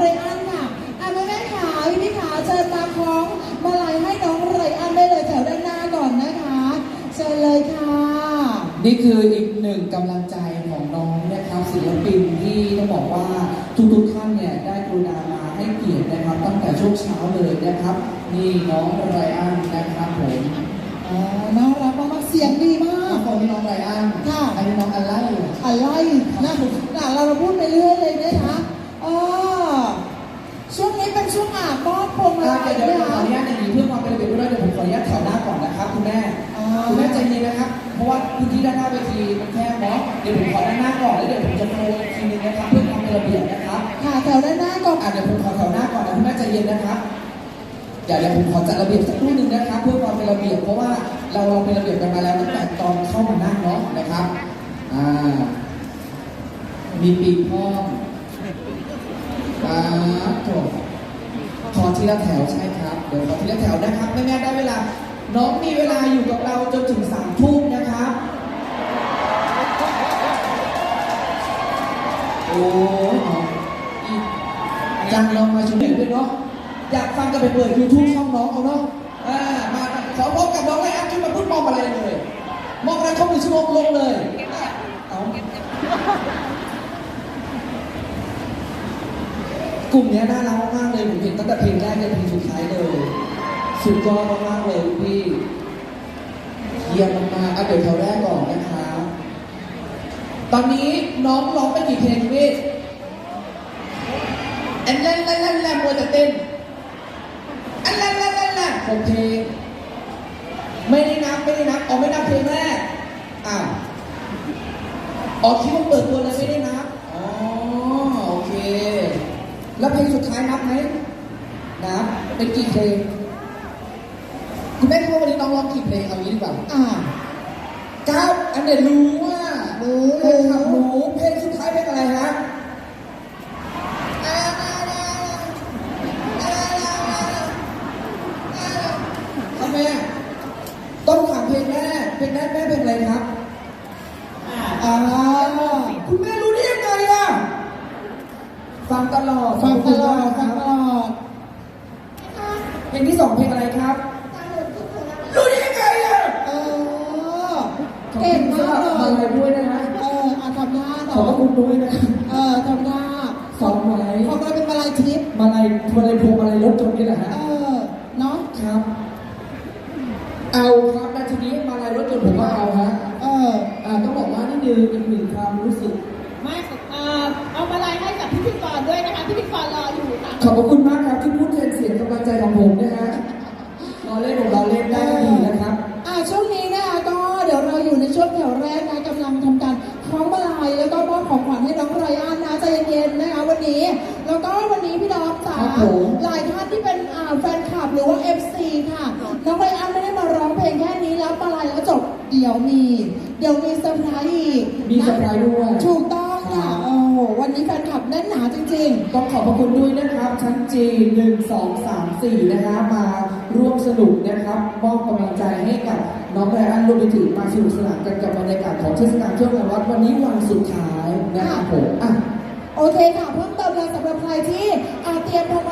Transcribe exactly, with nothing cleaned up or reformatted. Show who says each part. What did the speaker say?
Speaker 1: ไรอันค่ะอ่ะแม่แม่ขาพี่พี่ขาเชิญมาคล้องมาลัยให้น้องไรอันได้เลยแถวด้านหน้าก่อนนะคะเชิญเลยค่ะ
Speaker 2: นี่คืออีกหนึ่งกำลังใจของน้องนะครับศิลปินที่ต้องบอกว่าทุกๆท่านเนี่ยได้กรุณามาให้เกียรตินะครับตั้งแต่ช่วงเช้าเลยนะครับนี่น้องไรอันนะครับผม
Speaker 1: อ่าน่ารักมากเสียงดีมาก
Speaker 2: คนนี้น้องไรอัน
Speaker 1: ค่ะ
Speaker 2: อันนี้น้องอะไร
Speaker 1: อะไรนะนะเราพูดไปเรื่อยเลยนะคะอ๋อช่วงนี้เป็นช่วงอาบมอบพวงมาลัย
Speaker 2: เดี๋ยว
Speaker 1: นะ
Speaker 2: ขออนุญาตอย่างนี้เพื่อความเป็นระเบียบด้วยเดี๋ยวผมขออนุญาตแถวหน้าก่อนนะครับคุณแม่คุณแม่ใจเย็นนะครับเพราะว่าพื้นที่ด้านหน้าเวทีมันแคบเนาะเดี๋ยวผมขอด้านหน้าก่อนแล้วเดี๋ยวผมจะโปรอีกทีนึงนะครับเพื่อความเป็นระเบียบนะครับ
Speaker 1: ค่ะแถวด้านหน้าก่อน
Speaker 2: อ่ะเดี๋ยวผมขอแถวหน้าก่อนนะคุณแม่ใจเย็นนะครับเดี๋ยวเดี๋ยวผมขอจัดระเบียบสักครู่หนึ่งนะครับเพื่อความเป็นระเบียบเพราะว่าเราเราเป็นระเบียบกันมาแล้วตั้งแต่ตอนเข้ามานั่งเนาะนะครับอ่ามีปีกห้องอ่าจบขอทีละแถวใช่ครับเดี๋ยวขอทีละแถวนะครับแม่แม่ได้เวลาน้องมีเวลาอยู่กับเราจนถึงสามทุ่มนะครับโอ้ยจังลองมาชุมนุมด้วยเนาะอยากฟังกันไปเปิดยูทูบช่องน้องเอาเนาะอ่ามาขอพบกับน้องไรอันขึ้นมาพูดมองอะไรเลยมองอะไรเข้ามือชั่วโมงลงเลยเอากลุ่มนี้น่ารักมากเลยผมเห็นตั้งแต่เพลงแรกจนเพลงสุดท้ายเลยสุดยอดมากๆเลยพี่เยี่ยมมากๆเอาเดี๋ยวแถวแรกก่อนนะคะตอนนี้น้องร้องไปกี่เพลงพี่อันแรกแรกแรกแรกมัวแต่เต้นอันแรกแรกแรกแรกหกเพลงไม่ได้นับไม่ได้นับอ๋อไม่นับเพลงแรกอ้าวอ๋อคิดว่าเปิดตัวเลยไม่ได้นับอ๋อโอเคแล้วเพลงสุดท้ายนับไหมนับเป็นกี่เพลงคุณแม่คิดว่าวันนี้น้องร้องกี่เพลงเอางี้ดีกว่าอ่าเก้าอันเดียรู้ว่ารู้เลยครับรู้เพลงสุดท้ายเป็นอะไรฮะทำไมต้องถามเพลงแม่เพลงแม่แม่เพลงอะไรครับอ่าคุณแม่รู้ได้ยังไงอ่ะฟังตลอด
Speaker 1: ฟังตลอดฟังตลอด
Speaker 2: เพลงที่สองเพลงอะไรครับรู้ได้ยังไงอ่ะ
Speaker 1: เออเก่งมากเลย
Speaker 2: มาอะไรด้วยนะฮะ
Speaker 1: เอออาทำหน้า
Speaker 2: ขอบคุณด้วยนะครับ
Speaker 1: เออทำหน้า
Speaker 2: สองไม้
Speaker 1: ของเราเป็นมาลัยทิพย์
Speaker 2: มาลัยมาลัยพวงมาลัยรถจนนี่แหละฮะ
Speaker 1: เออเนาะ
Speaker 2: ครับเอาครับนาทีนี้มาลัยรถจนผมก็เอาฮะ
Speaker 1: เออ
Speaker 2: อ่าต้องบอกว่านี่คืออีกหนึ่งความรู้สึก
Speaker 3: ไม่เอ่อเอามาลัยให้กับพิธีกรด้วยนะคะพิธีกรรออยู่ค่ะ
Speaker 2: ขอบคุณมากครับที่พูดแทนเสียงกำลังใจของผมนะฮะรอเล่นของเราเล่นได้ดีนะครับ
Speaker 1: อ่าช่วงนี้นะคะก็เดี๋ยวเราอยู่ในช่วงแถวแรกนะกำลังทำการคล้องมาลัยแล้วก็มอบของขวัญให้น้องไรอันนะใจเย็นๆนะคะวันนี้แล้วก็วันนี้พี่น้องจ๋าหลายท่านที่เป็นอ่าแฟนคลับหรือว่า เอฟ ซี ค่ะน้องไรอันไม่ได้มาร้องเพลงแค่นี้แล้วมาลัยแล้วจบเดี๋ยวมีเดี๋ยวมีเซอร์ไพรส์อีก
Speaker 2: มีเซอร์ไพรส์ด้วย
Speaker 1: ถูกต้องค่ะโอ้วันนี้แฟนคลับแน่นหนาจริง
Speaker 2: ๆต้องขอบพระคุณด้วยนะครับชั้นจีหนึ่งสองสามสี่นะคะมาร่วมสนุกนะครับมอบกำลังใจให้กับน้องไรอันรวมไปถึงมาสนุกสนานกันกับบรรยากาศของเทศกาลช่วงวันวันนี้วันสุดท้ายนะครับผมอ่ะ
Speaker 1: โอเคค่ะเพิ่มเติมเลยสำหรับใครที่อาเตรียมพวง